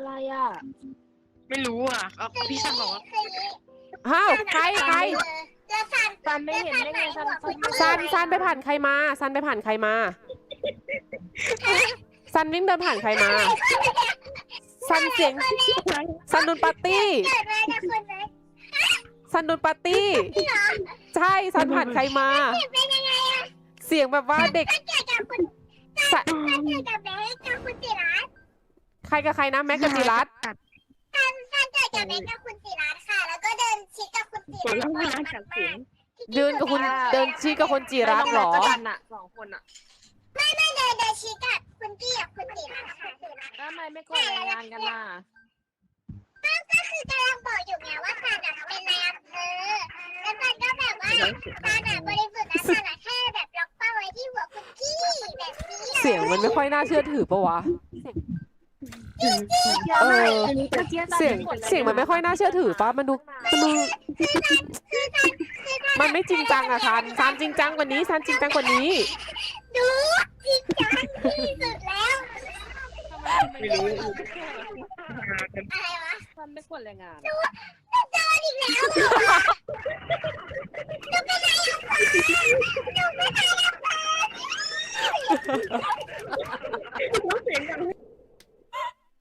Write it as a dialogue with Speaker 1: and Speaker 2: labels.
Speaker 1: อะไรอ่ะ
Speaker 2: ไม่รู้อ่ะพี่ซันบอกว่า
Speaker 3: อ้าวใคร
Speaker 4: แล้ว
Speaker 1: ซันไม่เห็นได้ไง
Speaker 3: ซันไปผ่านใครมาซันไปผ่านใครมาซันวิ่งเดินผ่านใครมาซันเสียงซันโดนปาร์ตี้
Speaker 4: เกิดมาจากคนไหน
Speaker 3: ซันโดนปาร์ตี้ใช่ซันผ่านใครมา
Speaker 4: เป็นยังไงอะ
Speaker 3: เสียงแบบว่าเด็ก
Speaker 4: เกิดจากคุณ
Speaker 3: ซัน
Speaker 4: เกิดจากแบงค์กับคุณศิรัตน์
Speaker 3: ใครกับใครนะแม็กกับจิรัต
Speaker 4: ซันเกิดจากแบงค์กับคุณศิรัตน์ค่ะ แล้วก็เดินชิดกับคุณศิรัตน์
Speaker 2: แล้วไม่น่าจับเสียง
Speaker 3: เดินกับคุณเดินชี้กับคนจิรัตเหรอ
Speaker 1: กันอ่ะ2 คนอ่ะ
Speaker 4: ไม่เดินชิดกับคุณกี้กับคุณศิรัตน์ค่ะ
Speaker 1: แล้วทำไมไม่กดรายงานกันล่ะ
Speaker 4: ก็คือกำลังบอกอยู่ไงว่าซันอะเป็นนายอำเภอแล้วซันก็แบบว่าซันอะบริสุทธิ์นะซันอะแค่แบบล็อกเป้าไว้ที่หัวคุณกี้แบบนี้
Speaker 3: เสียงมันไม่ค่อยน่าเชื่อถือปะวะเสียงมันไม่ค่อยน่าเชื่อถือปะมันดูมันไม่จริงจังอะซันจริงจังกว่านี้ซันจริงจังกว่านี้
Speaker 4: ดูจริงจังที่สุดแล้ว
Speaker 2: ไม่รู้
Speaker 4: อะไรวะ
Speaker 1: ซันไม่กดรายงาน
Speaker 4: โดนอีกแล้วเหรอจะเป็นนายอำเภอ